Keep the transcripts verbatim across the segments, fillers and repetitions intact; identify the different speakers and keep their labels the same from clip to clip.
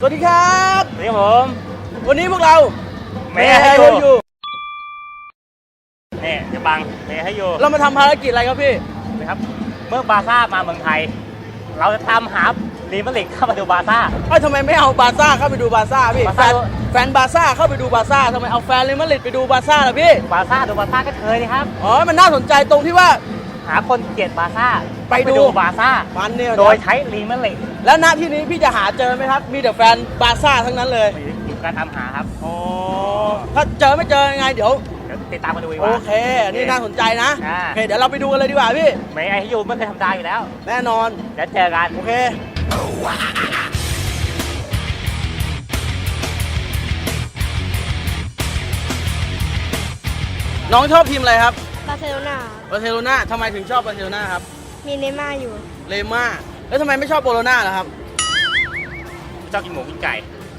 Speaker 1: สวัสดีครับ
Speaker 2: สวัสดีครับผม
Speaker 1: วันนี้พวกเรา
Speaker 2: เมย์ให้อยู่นี่จะบังเมย์ให้อยู่
Speaker 1: เรามาทำภารกิจอะไรครับพี่
Speaker 2: นะครับเมื่อบาซ่ามาเมืองไทยเราจะตามหาลีมาลิกเข้ามาดูบาซ่า
Speaker 1: เอ้ยทำไมไม่เอาบาซ่าเข้าไปดูบาซ่าพี่แฟนแฟนบาซ่าเข้าไปดูบาซ่าทำไมเอาแฟนเรอัลมาดริดไปดูบาซ่าล่ะพี่
Speaker 2: บาซ่าดูบาซ่าก็เคยนี่ครับ
Speaker 1: อ๋อมันน่าสนใจตรงที่ว่า
Speaker 2: หาคนเกลียดบาซ่า
Speaker 1: ไปดู
Speaker 2: บาซ่า
Speaker 1: มันเนี่ย
Speaker 2: โดยใช้ลีมาลิก
Speaker 1: แล้วณที่นี้พี่จะหาเจอไหมครับมีแต่แฟนบาซ่าทั้งนั้นเลย
Speaker 2: อยู่การทำหาครับ
Speaker 1: อ๋อถ้าเจอไม่เจอยังไงเดี๋ยว
Speaker 2: ติดตามมาดูดีก
Speaker 1: ว่า
Speaker 2: โอ
Speaker 1: เคอันนี้น่าสนใจนะ
Speaker 2: โอ
Speaker 1: เคเดี๋ยวเราไปดูกันเลยดีกว่าพี่
Speaker 2: เมย์ให้อยู่ไม่เคยทำได้อยู่แล้ว
Speaker 1: แน่นอน
Speaker 2: เดี๋ยวเจอกัน
Speaker 1: โอเคน้องชอบทีมอะไรครับ
Speaker 3: บาร์เซโลนา
Speaker 1: บาร์เซโลนาทำไมถึงชอบบาร์เซโลนาครับ
Speaker 3: มีเนม่าอยู่
Speaker 1: เลม่าแล้วทำไมไม่ชอบโบโลนาล่ะครับ
Speaker 2: ชอบกินหมูกินไก่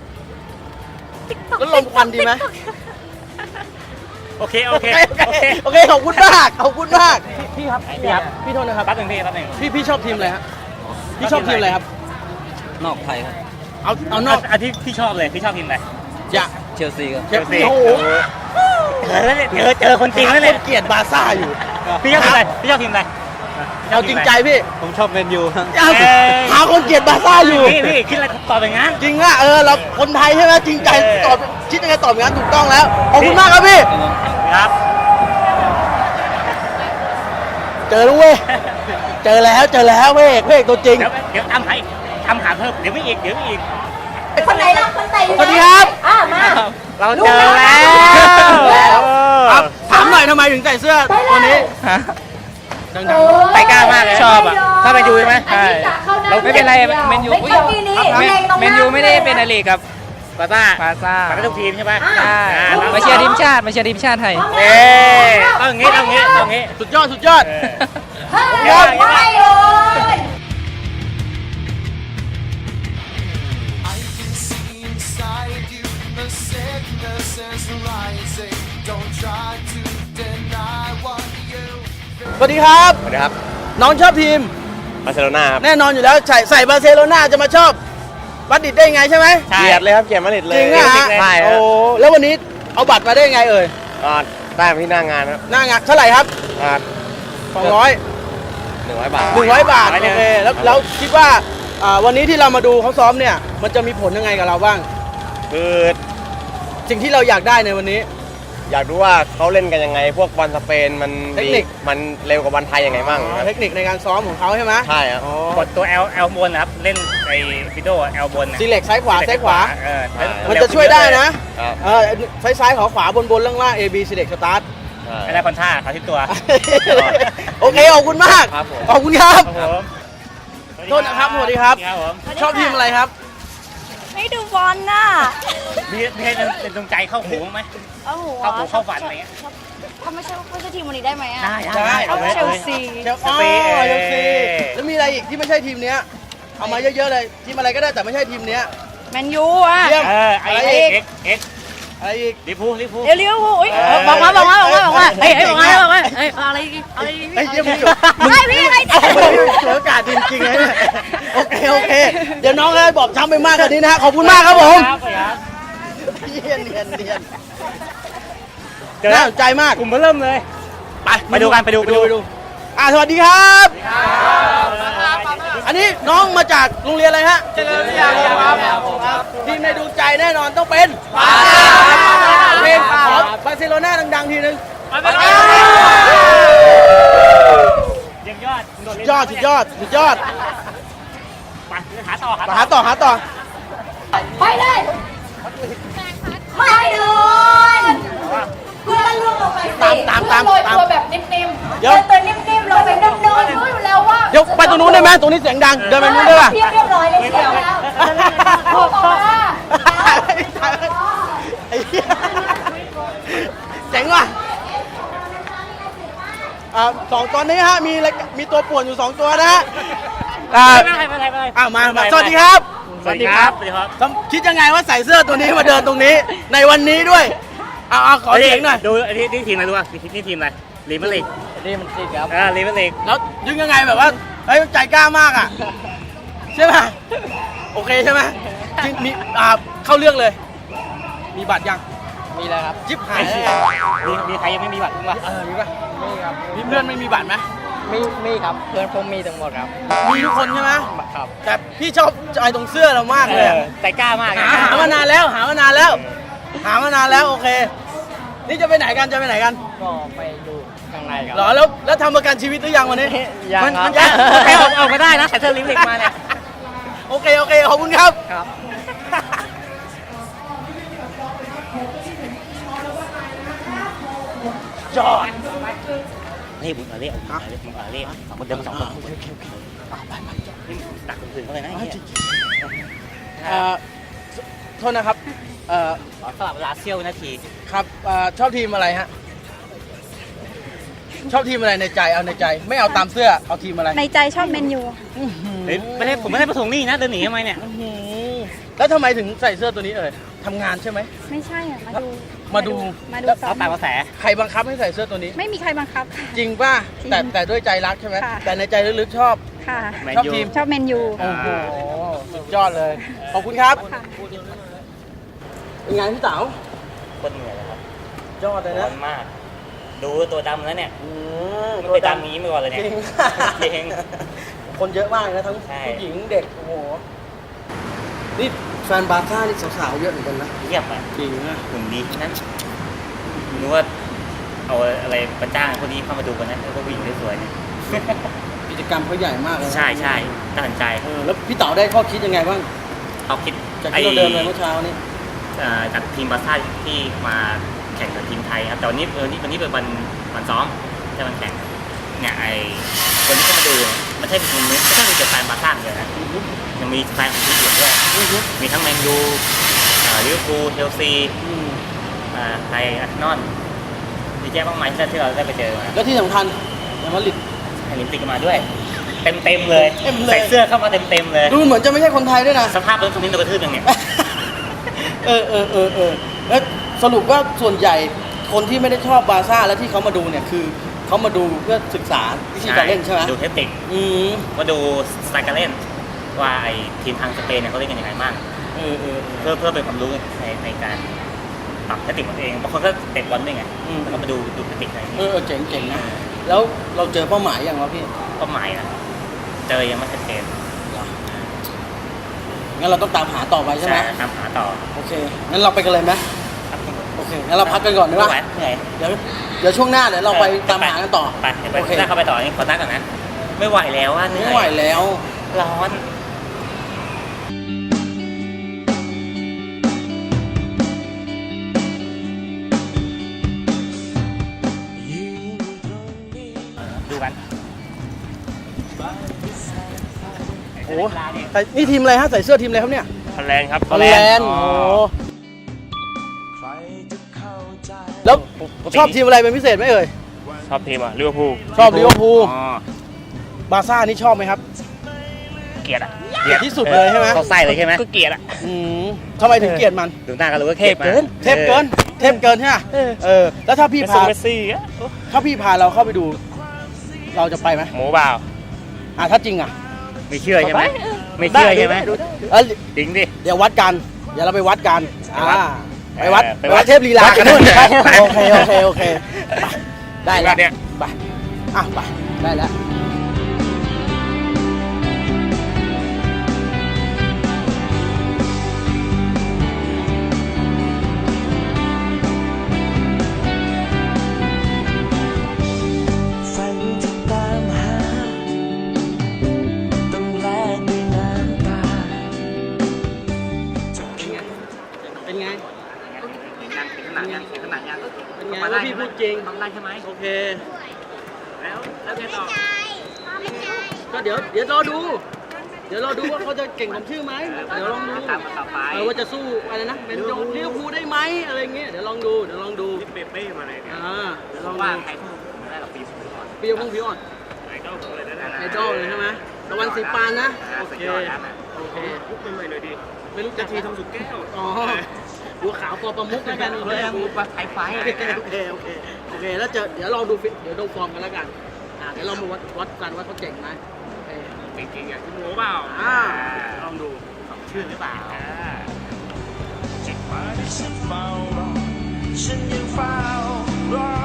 Speaker 1: แล้วลมควันดีไหม
Speaker 2: โอเคโอเค
Speaker 1: โอเคโอเคขอบคุณมากขอบคุณมากพี่ครับ
Speaker 2: พี่ครับ
Speaker 1: พี่โทษนะครับ
Speaker 2: แป๊บนึงพี่แป๊บนึง
Speaker 1: พี่พี่ชอบทีมอะไรฮะพี่ชอบทีมอะไรครับ
Speaker 4: นอกไทยครับ
Speaker 1: เอาเอานอก
Speaker 2: อันที่พี่ชอบเลยพี่ชอบทีมอะไร
Speaker 1: จะ
Speaker 4: เชลซีครับ
Speaker 1: เชลซีโอ้โห
Speaker 2: เจอแล้วเนี่ยเจอเจอคนจริงแล้วเนี่ย
Speaker 1: เกลียดบาซ่าอยู่
Speaker 2: พี่ชอบทีมอะไรพี่ชอบทีมอะไร
Speaker 1: เอาจริงใจพี่
Speaker 4: ผมชอบแมนยูครับ
Speaker 1: หาคนเกลียดบาซ่าอยู่
Speaker 2: พี่พี่คิดอะไรตอบอย่างนั้น
Speaker 1: จริงอ่ะเออเราคนไทยใช่ไหมจริงใจตอบคิดยังไงตอบอย่างนั้นถูกต้องแล้วขอบคุณมากครับพี่
Speaker 2: ครับ
Speaker 1: เจอแล้วเว้ยเจอแล้วเจอแล้วเว้ยเว้ยตัวจริง
Speaker 2: เดี๋ยวเดี๋ยวทำให้ทำหาเพิ่มเดี๋ยวไม่อีกเดี๋ยวไม่อีก
Speaker 3: คนไหนล่ะคนไหน
Speaker 1: สวัสดีครับ
Speaker 3: อ่ามา
Speaker 2: เราเจอแล้ว
Speaker 1: ครับถามหน่อยทำไมถึงใส่เสื้อตัวนี้
Speaker 2: ไปกล้ามากเลยชอบอ่ะถ้าไปดูใช่ไหมใช่
Speaker 4: เราไม่เป็นไรแมนยูแมนยูไม่ได้เป็นอะไรกับบาซ่าบาซ่า
Speaker 2: มันก็ทุกทีมใช่ไหม
Speaker 4: มาเชียร์ทีมชาติมาเชียร์ทีมชาติไทย
Speaker 2: เอ๊ะต้องอย่างงี้ต้องอย่างงี้ต้องอย่างงี้
Speaker 1: สุดยอดสุดยอด
Speaker 3: ยอดไปเลย
Speaker 1: สวัสดีครับ
Speaker 5: สวัสดีครับ
Speaker 1: น้องชอบทีม
Speaker 5: บาร์เซโลนาครับ
Speaker 1: แน่นอนอยู่แล้วใส่ใส่บาร์เซโลนาจะมาชอบมาดริดได้ยังไงใช่ไหม
Speaker 5: เกลียดเลยครับเกลียดมาดริดเลย
Speaker 1: จริงอ่ะ
Speaker 5: ใช่
Speaker 1: โอ้แล้ววันนี้เอาบัตรมาได้ยังไงเอ่ย
Speaker 5: ก็ได้มาที่หน้างานครับ
Speaker 1: หน้างานเท่าไหร่ครับสองร้อย
Speaker 5: หนึ่งร้อยบาท
Speaker 1: หนึ่งร้อยบาทโอเคแล้วแล้วคิดว่าวันนี้ที่เรามาดูเขาซ้อมเนี่ยมันจะมีผลยังไงกับเราบ้าง
Speaker 5: คือ
Speaker 1: สิ่งที่เราอยากได้ในวันนี้
Speaker 5: อยากรู้ว่าเขาเล่นกันยังไงพวกบอลสเปนมัน
Speaker 1: เทคนิค
Speaker 5: มันเร็วกว่าบอลไทยยังไงบ้าง
Speaker 1: เทคนิคในการซ้อมของเขาใช่ไหม
Speaker 5: ใช่ครับ
Speaker 2: กดตัวแอลแอลบนนะครับเล่นไอ้วิดีโอแอลบน
Speaker 1: ซีเล็กซ้ายขวาซ้ายขวามันจะช่วยได้นะเออซ้ายซ้ายขวาขวาบนบนล่างล่าง A B ซีเล็กสตาร์ท
Speaker 2: ไม่ได้คอนท่าขาทิศตัว
Speaker 1: โอเคขอบคุณมากขอบคุณครับโทษนะครับสวัสดีครับชอบทีมอะไรครับ
Speaker 3: ไม่ดูบอลน่ะ
Speaker 2: มีมีเป็นดวงใจเข้าหูไหม
Speaker 3: เข้าหู
Speaker 2: เข้าหูเข้าฝันอะไรเงี้ย
Speaker 3: ถ้าไม่ใช่ไม่ใช่ทีมวันนี้ได้ไหมอ่ะ
Speaker 2: ได้ได้
Speaker 3: เอาเชลซี
Speaker 1: เชลซีเชลซีแล้วมีอะไรอีกที่ไม่ใช่ทีมเนี้ยเอามาเยอะๆเลยทีมอะไรก็ได้แต่ไม่ใช่ทีมเนี้ย
Speaker 3: แมนยูอ่ะ
Speaker 2: เออไอเอ็กเอ็ก
Speaker 1: อะไรอีก
Speaker 2: ลิฟูลิฟู
Speaker 3: เอลิฟูอุ้ยบอกมาบอกมาบอกมาบอกมาเฮ้ยบอกมาบอกมาเฮ้ยอะไรอะไร
Speaker 1: ไอ้เยี่ยม
Speaker 3: ไม่พี่อะไร
Speaker 1: เสืออากาศจริงๆเลยโอเคโอเคเดี๋ยวน้องเลยบอกช้ำไปมากกว่านี้นะขอบคุณมากครับผมเนียนเนียนเนียนน่าสนใจมาก
Speaker 2: กลุ่มเริ่มเลยไปไปดูกันไปดูไปดูไปดู
Speaker 1: อ่าสวัสดีครับอันนี้น้องมาจากโรงเรียนอะไรฮะ
Speaker 4: เจริญวิทยาครับ
Speaker 1: ทีมในดวงใจแน่นอนต้องเป็นบาซ่าเพลงขอบาร์เซโลนาดังๆทีนึง
Speaker 2: ยังยอด
Speaker 1: ยอดสุดยอดสุดยอด
Speaker 2: ไปหาต่อ
Speaker 1: หาต่อหาต่อ
Speaker 3: ไปเลยไม่โดนเพื่อนล่วงลงไป
Speaker 1: ตามตามตามตาม
Speaker 3: ตัวแบบนิ่มๆเดินตัวนิ่มๆลงไปนิ่มๆรู้อยู่แล้วว่า
Speaker 1: เดี๋ยวไปตรงนู้นได้ไหมตรงนี้เสียงดังเดินไปนู้นได้ป่ะ
Speaker 3: เรียบร้อยเลยเชียวแล้วพอมา
Speaker 1: ไอ้เหี้ยเจ๋งว่ะอ่าสองตอนนี้ฮะมีมีตัวป่วนอยู่สองตัวนะฮะ
Speaker 2: อ่าไม่เป็นไรไม่เป็นไร
Speaker 1: อ่ามาสวัสดีครับ
Speaker 2: สวัสดีครับสวัสดีครับ
Speaker 1: คิดยังไงว่าใส่เสื้อตัวนี้มาเดินตรงนี้ในวันนี้ด้วยเอาเอาขอเสียงหน่อย
Speaker 2: ดูอันนี้นี่ทีมอะไรดูว่านี่ทีมอะไรลีมาลิก
Speaker 4: ลีมันติดครับ
Speaker 2: อ่าลีมาลิก
Speaker 1: แล้วยึงยังไงแบบว่าเฮ้ยใจกล้ามากอ่ะใช่ไหมโอเคใช่ไหมจริงมีอ่าเข้าเรื่องเลย มีบัตรยัง
Speaker 4: มีแล้วครับ
Speaker 1: ยิบหายแล้ว
Speaker 2: มีมีใครยังไม่มีบัตรบ้างวะ
Speaker 1: เออมีปะ
Speaker 4: มีครับ
Speaker 1: มีเพื่อนไม่มีบัตรไหม
Speaker 4: มีมีครับเพื่อนผมมีทั้งหมดครับ
Speaker 1: มีทุกคนใช่ไหม
Speaker 4: ครับ
Speaker 1: แต่พี่ชอบใจตรงเสื้อเรามาก
Speaker 2: เอ
Speaker 1: เลย
Speaker 2: อใจกล้ามาก
Speaker 1: หาหามานานแล้วหามานานแล้ว หามานานแล้วโอเค นี่จะไปไหนกันจะไปไหนกัน
Speaker 4: ก็ไปดูข้างในครับ
Speaker 1: เหรอแล้วแล้วทำประกันชีวิตหรือยังวันนี้
Speaker 4: ยัง
Speaker 2: มัน
Speaker 4: ครั
Speaker 2: มั
Speaker 4: บ
Speaker 2: นจะใครออกออกมาได้นะใส่เสื้อลิมลิกมาเนี่ย
Speaker 1: โอเคโอเคขอบคุณครับ
Speaker 4: ครับ
Speaker 1: จอด
Speaker 2: นี่มึงเอาเรียกเอาเรียกมึงเอาเรียกสองคนเดินมาสองคนนี่ตักคนอื่นเขาเลยนะไอ้เหี้ย
Speaker 1: เอ่อโทษนะครับเอ่อ
Speaker 2: ขอสลับเวลาเซี่ยววินาที
Speaker 1: ครับเอ่อชอบทีมอะไรฮะชอบทีมอะไรในใจเอาในใจไม่เอาตามเสื้อเอาทีมอะไร
Speaker 3: ในใจชอบเมนยู
Speaker 1: อื้อหือ
Speaker 2: เฮ้ยไม่ได้ผมไม่ได้ประสงค์นี่นะเดินหนีทำไมเนี่ย
Speaker 1: อื้อหือแล้วทำไมถึงใส่เสื้อตัวนี้เอ่ยทำงานใช่ไหม
Speaker 3: ไม่ใช่อ่ะ มาดู
Speaker 1: มาดู
Speaker 3: มาดู
Speaker 1: แล้ว
Speaker 3: ซ้อ
Speaker 2: เอา
Speaker 3: ม
Speaker 2: ตามกระแส
Speaker 1: ใครบังคับให้ใส่เสื้อตัวนี้
Speaker 3: ไม่มีใครบังคับค่ะ
Speaker 1: จริงป่ะ
Speaker 3: จริง
Speaker 1: แต่แต่ด้วยใจรักใช่ไหม
Speaker 3: ค่ะ
Speaker 1: แต่ในใจลึกๆชอบ
Speaker 3: ค่ะ
Speaker 2: แมน
Speaker 1: ชอบ
Speaker 2: ยู
Speaker 1: ทีม
Speaker 3: ชอบเมนยู
Speaker 1: โอ้โหสุดยอดเลยขอบคุณครับ
Speaker 3: ค่ะ
Speaker 1: เป็นไงพี่เต๋า
Speaker 2: โคตรเหนื่อยเลยครับ
Speaker 1: ยอดเลย
Speaker 2: ร้อ
Speaker 1: นะ
Speaker 2: นมาก ดูตัวดำแล้วเนี่ย
Speaker 1: อืม
Speaker 2: ไม่เคยดำอย่างนี้มาก่อนเลย
Speaker 1: จ
Speaker 2: เนี่ย
Speaker 1: ริง
Speaker 2: จริง
Speaker 1: คนเยอะมากเลยนะทั้ง
Speaker 2: ใช่
Speaker 1: ผู้หญิงเด็กโอ้โหนี่แฟนบาร์ซ่านี่สาวๆเยอะเหมือนกันนะ
Speaker 2: เยี่ยมอ่ะ
Speaker 1: จริงนะ
Speaker 2: หุ่นดีนั้นนึกว่าเอาอะไรประจ้างคนนี้เข้ามาดูกันนะแล้วก็วิ่งสวยๆเนี่ย
Speaker 1: กิจกรรมเขาใหญ่มากเลยนะ
Speaker 2: ใช่ใช่น่าสนใจ
Speaker 1: เออแล้วพี่เต๋าได้ข้อคิดยังไงบ้าง
Speaker 2: เขาคิด
Speaker 1: จากที่เราเดินไปเมื่อเช้านี้
Speaker 2: เอ่อจากทีมบาร์ซ่าที่มาแข่งกับทีมไทยครับแต่วันนี้เออนี่วันนี้เป็นวันวันซ้อมจะมันแข่งเนี่ยไอคนที่เข้ามาดูเนี่ยไม่ใช่เป็นไม่ใช่มีแต่แฟนบาร์ซ่าอย่างเดียวนะยังมีแฟนของทีมอื่นด้วยมีทั้งแมนยูเอ่อลิเวอร์พูลเชลซี
Speaker 1: อืม
Speaker 2: อ่าไทยอาร์เซนอลดีแยะมากมายที่เราได้ไปเจอมา
Speaker 1: แล้วที่สำคัญเรอัลมาดริด
Speaker 2: ไอลิมปิกมาด้วย เต็มเต็มๆเลย
Speaker 1: เต็มเลย
Speaker 2: ใส่เสื้อเข้ามาเต็มเต็มๆเลย
Speaker 1: ดูเหมือนจะไม่ใช่คนไทยด้วยนะ
Speaker 2: สภาพรถตรงนี้โดนกระทืบยังเนี่ย
Speaker 1: เออเออเออเออแล้วสรุปว่าส่วนใหญ่คนที่ไม่ได้ชอบบาร์ซ่าแล้วที่เขามาดูเนี่ยคือเขามาดูเพื่อศึกษาวิธีการเล่นใช่ไหม
Speaker 2: ดูเทคนิค
Speaker 1: อืม
Speaker 2: ว่าดูสไตล์การเล่น ว่าไอทีมทางสเปนเนี่ยเขาเล่นกันยังไงบ้าง
Speaker 1: เออเออเอ
Speaker 2: เพื่อ
Speaker 1: อ
Speaker 2: เพื่อเป็นความรู้ในในการปรับเทคนิคของตัวเองบางคนก็เตะบอลด้วยไง
Speaker 1: อืม
Speaker 2: แล้วก็มาดูดูเทคนิคอะไรอย่าง
Speaker 1: เอ
Speaker 2: เงี้ย
Speaker 1: อเออเจ๋งเจ๋งนะแล้วเราเจอเป้าหมายอย่างวะพี่
Speaker 2: เป้าหมายนะเจอยังไม่ชัดเจน
Speaker 1: งั้นเราต้องตามหาต่อไปใช่ไหม
Speaker 2: ตามหาต่อ
Speaker 1: โอเคงั้นเราไปกันเลยไหม
Speaker 2: ครับ
Speaker 1: โอเคงั้นเราพักกันก่อนดีกว่า
Speaker 2: ไม่ไหวเหนื่อย
Speaker 1: เดี๋ยวเดี๋ยวช่วงหน้าเดี๋ยวเราไปตามหากันต่อ
Speaker 2: ไปไป
Speaker 1: โอเค
Speaker 2: ถ้าเข้าไปต่อนี่ขอตั้งก่อนนะ ไม่ไหวแล้วว่าเหนื่
Speaker 1: ไม่
Speaker 2: อย
Speaker 1: ไหวแล้ว
Speaker 2: ร้อน ดูกัน
Speaker 1: โอ้ใส่นี่ทีมอะไรฮะใส่เสื้อทีมอะไรครับเนี่ย
Speaker 2: ฮอลแลนด์ครับ
Speaker 1: ฮอลแลนด์โอ้แล้วชอบทีมอะไรเป็นพิเศษไหมเอ่ย
Speaker 2: ชอบทีมอ่ะลิเวอร์พูล
Speaker 1: ชอบลิเวอร์พูล
Speaker 2: อ๋อบ
Speaker 1: าร์ซ่านี่ชอบไหมครับ
Speaker 2: เกลียดอ่ะ
Speaker 1: เกลียดที่สุดเลยใช่ไหม
Speaker 2: เขาใส่เลยใช่ไหมก็เกลียดอ่ะ
Speaker 1: อืมทำไมถึงเกลียดมัน
Speaker 2: ดูหน้าก็รู้ว่าเทพเกิน
Speaker 1: เทพเกิน เทพเกินใช่ไหมเออ แล้วถ้าพี่
Speaker 2: เมส
Speaker 1: พา
Speaker 2: ซี่เมสซี่อ่ะ
Speaker 1: ถ้าพี่พาเราเข้าไปดู เราจะไปไหม
Speaker 2: หมูเปล่า
Speaker 1: อ่ะถ้าจริงอ่ะ
Speaker 2: ไม่เชื่อใช่ไหมไม่เชื่อใช่ไหม
Speaker 1: เอ้ย
Speaker 2: จริงดิ
Speaker 1: เดี๋ยววัดกัน เดี๋ยวเราไปวัดกัน
Speaker 2: ไปวัด
Speaker 1: อ่าไปวัด
Speaker 2: เออ
Speaker 1: ไป
Speaker 2: ไปวั
Speaker 1: วั
Speaker 2: ด
Speaker 1: ดเทพลีลา
Speaker 2: วัดกันนู่น
Speaker 1: ไปโอเคโอเคโอเคไปได้แล้ว
Speaker 2: เนี่ย
Speaker 1: ไปอ่ะไปได้แล้วเป็นไง
Speaker 2: ขนาดยังขนาดยัง
Speaker 1: เป็นไงว่าพี่พูดจริง
Speaker 2: ทำได้ใช่ไหม
Speaker 1: โอเค
Speaker 2: แล้วแล้วไงต่อ
Speaker 1: ก็เดี๋ยวเดี๋ยวรอดู เดี๋ยวรอดูว่าเขาจะเก่งสมชื่อไหมเดี๋ยวลองดู
Speaker 2: ตามต่อไป
Speaker 1: เออว่าจะสู้อะไรนะเป็นโยนลิเวอร์พูลได้ไหมอะไรเงี้ยเดี๋ยวลองดูเดี๋ยวลองดู
Speaker 2: เปเป้มาเลยเนี่ย
Speaker 1: อ่าเดี๋ยวลอง
Speaker 2: ว่า
Speaker 1: ดู
Speaker 2: ใครพูดได้หรอปีสุดก่อน
Speaker 1: เปรี้ยวพงพี่อ่อน
Speaker 2: ไอดอลเลยนะ
Speaker 1: ไอดอลเลยใช่ไหมตะวันสีปานนะโอเคโอเค
Speaker 2: ยุคใหม่ๆเลยดิ
Speaker 1: ไม่รู้จะทีทองสุกแก้วอ๋อบัวขาวปอประมุกแล้วกันโอเค
Speaker 2: พูดว่าไฟไฟ
Speaker 1: โอเคโอเคโอเคโอเคแล้วเจอเดี๋ยวลองดูฟิเดี๋ยวดูฟอร์มกันแล้วกันอ่าเดี๋ยวเรามาวัดวัดกันว่าเขาเก่งไหมโอเค
Speaker 2: จริงๆอ่ะคุณหมูเปล่า
Speaker 1: อ่าลองดู
Speaker 2: ของแชชื่อหรือเปล่า
Speaker 6: จุดหมายที่ฉันเฝ้ารอฉันยังเฝ้ารอ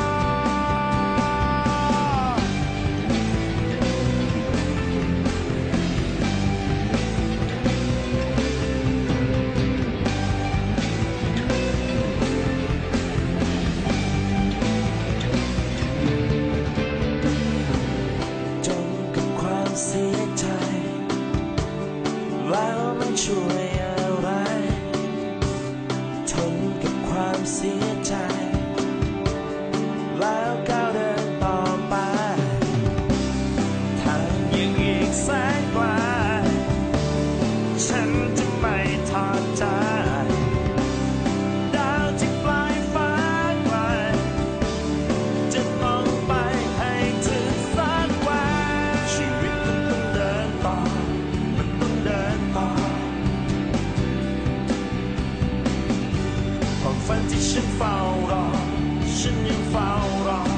Speaker 6: จนกับความเสียใจแล้วมันช่วยอะไรทนกับความเสียใจแล้วก้าวเดินต่อไปทางยังอีกแสนไกลฉันจะไม่ทอดใจดาวที่ปลายฟ้าไกลจะต้องไปให้ถึงสักวันชีวิตมันต้องเดินต่อมันต้องเดินต่อความฝันที่ฉันเฝ้ารอฉันยังเฝ้ารอ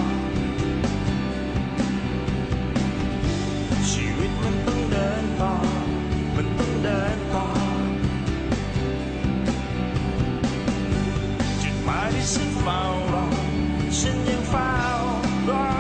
Speaker 6: ชีวิตมันต้องเดินต่อมันต้องเดินต่อจุดหมายที่ฉันเฝ้ารอฉันยังเฝ้ารอ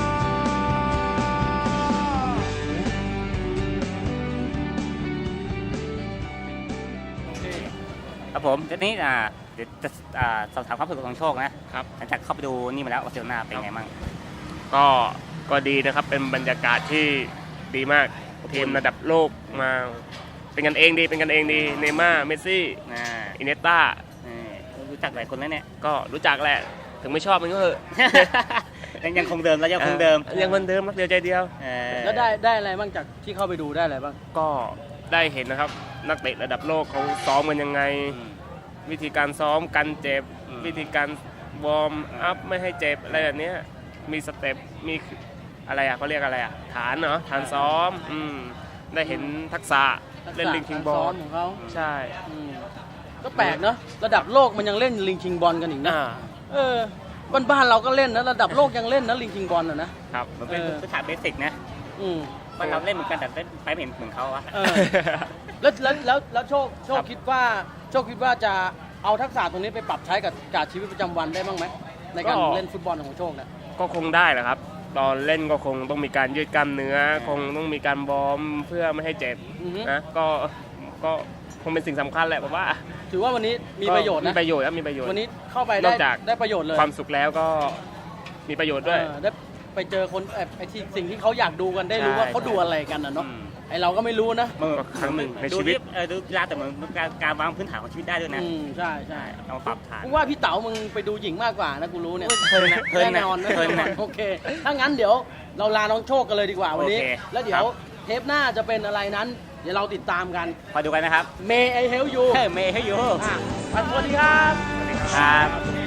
Speaker 2: ครับผมทีนี้อ่าเดี๋ยวจะอ่าสอบถามความรู้สึกของโชคนะครับ หลังจากเข้าไปดูนี่มาแล้วบาร์เซโลนาเป็นไงบ้าง
Speaker 5: ก็ก็ดีนะครับเป็นบรรยากาศที่ดีมากทีมระดับโลกมาเป็นกันเองดีเป็นกันเองดีเนย์ม่าร์เมสซี่
Speaker 2: อ่า
Speaker 5: อินเนสต้า
Speaker 2: นี่รู้จักหลายคนแล้วเนี่ย
Speaker 5: ก็รู้จักแหละถึงไม่ชอบมันก็เถอะ
Speaker 2: ยังยังคงเดิมแล้วยังคงเดิม
Speaker 5: ยังคนเดิมรักเดียวใจเดียว
Speaker 2: เออ
Speaker 1: แล้วได้ได้อะไรบ้างจากที่เข้าไปดูได้อะไรบ้าง
Speaker 5: ก็ได้เห็นนะครับนักเตะระดับโลกเขาซ้อมกันยังไง
Speaker 2: อืม
Speaker 5: วิธีการซ้อมกันเจ็บ
Speaker 2: อืม
Speaker 5: วิธีการวอร์มอัพไม่ให้เจ็บอะไรแบบเนี้ยมีสเต็ปมีอะไรอ่ะเขาเรียกอะไรอ่ะฐานเนาะฐานซ้อมอืมได้เห็นทักษะเล่นลิงคิงบอ
Speaker 1: ซ้อ
Speaker 5: ล
Speaker 1: มของเขา
Speaker 5: ใช่
Speaker 1: อืมก็แปลกเนาะระดับโลกมันยังเล่นลิงคิงบอลกันอีกนะ
Speaker 5: อ่า
Speaker 1: เออบ้านบ้านๆเราก็เล่นนะระดับโลกยังเล่นนะลิงคิงบอลอ่ะนะครับ
Speaker 2: มันเป็น
Speaker 1: เออ
Speaker 2: พื้นฐานเบสิกนะ
Speaker 1: อืม
Speaker 2: มันเราเล่นเหมือนกันแต่เล่นไปไม่เห็นเหมือนเขาอะ
Speaker 1: เออ แล้วแล้วแล้วแล้วโชคโชค
Speaker 5: ครับ
Speaker 1: คิดว่าโชคคิดว่าจะเอาทักษะตรงนี้ไปปรับใช้กับกับชีวิตประจำวันได้บ้างไหมในการเล่นฟุตบอลของโชคเนี่ย
Speaker 5: ก็คงได้แหละครับ ตอนเล่นก็คงต้องมีการยืดกล้ามเนื้อ คงต้องมีการวอร์มเพื่อไม่ให้เจ็บ
Speaker 1: อือฮึ
Speaker 5: นะก็ก็คงเป็นสิ่งสำคัญแหละผมว่า
Speaker 1: ถือว่าวันนี้มีประโยชน์
Speaker 5: มี
Speaker 1: นะ
Speaker 5: ประโยชน์ครับมีประโยชน์
Speaker 1: วันนี้เข้าไป
Speaker 5: น
Speaker 1: ได้
Speaker 5: อกจาก
Speaker 1: ได้ประโยชน์เลย
Speaker 5: ความสุขแล้วก็มีประโยชน์ด้วย
Speaker 1: เออได้ไปเจอคนเอ่อไอ้ที่สิ่งที่เขาอยากดูกันได้รู้
Speaker 2: ใช่
Speaker 1: ว่าเขาดูอะไรกันนะเนาะ
Speaker 2: อืม
Speaker 1: ไอเราก็ไม่รู้นะ
Speaker 2: มัน
Speaker 5: ก็ครั้งหนึ่งใน
Speaker 2: ดู
Speaker 5: ชีวิต
Speaker 2: เออดูกีฬาแต่เหมือนการการวางพื้นฐานของชีวิตได้ด้วยนะ
Speaker 1: อืมใช่ใช่
Speaker 2: เอามาปรับฐาน
Speaker 1: กูว่าพี่เต๋ามึงไปดูหญิงมากกว่านะกูรู้เนี่ย
Speaker 2: เพลินนะเพลิน
Speaker 1: แน่
Speaker 2: นะ
Speaker 1: นอนนะ
Speaker 2: เพลินนะ
Speaker 1: โอเค ถ้างั้นเดี๋ยวเราลาน้องโชคกันเลยดีกว่าวันนี้
Speaker 2: โอเค
Speaker 1: แล้วเดี๋ยวเทปหน้าจะเป็นอะไรนั้น เดี๋ยวเราติดตามกัน
Speaker 2: คอยดูกันนะครับ
Speaker 1: May I help you
Speaker 2: เฮ้ยเมย์ให้อยู่
Speaker 1: อ่ะสวัสดีครับ
Speaker 2: ครับ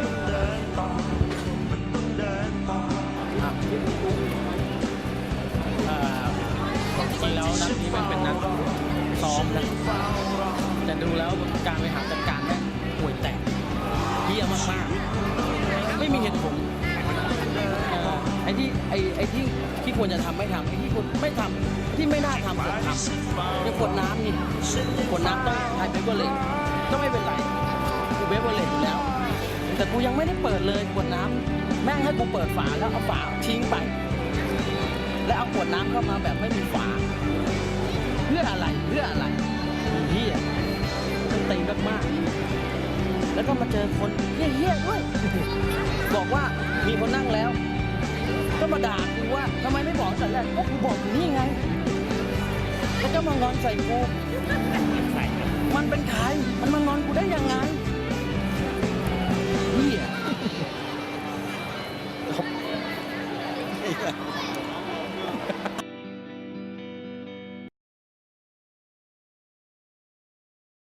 Speaker 1: เอ่อจริงๆแล้วนัดนี้มันเป็นนัดซ้อมนะแต่ดูแล้วการบริหารจัดการแม่งห่วยแตกเหี้ยมากๆไม่มีเหตุผลเอ่อไอ้ที่ไอ้ไอ้ที่ที่ควรจะทำไม่ทำไอ้ที่ควรไม่ทำที่ไม่น่าทำควรทำอย่างขวดน้ำนี่ขวดน้ำต้องใช้เบเบอร์เลนก็ไม่เป็นไรกูเบเบอร์เลนอยู่แล้ว แต่กูยังไม่ได้เปิดเลยขวดน้ำแม่งให้กูเปิดฝาแล้วเอาฝาทิ้งไป แล้วเอาขวดน้ำเข้ามาแบบไม่มีฝาเพื่ออะไรเพื่ออะไรเฮียมันตีมากๆแล้วก็มาเจอคนเฮี้ยๆด้วย บอกว่ามีคนนั่งแล้ว ก็มาด่ากูว่าทำไมไม่บอกแต่แรกก็กูบอกอยู่นี่ไง แล้วก็มางอนใส่กูมันเป็นใครมันมางอนกูได้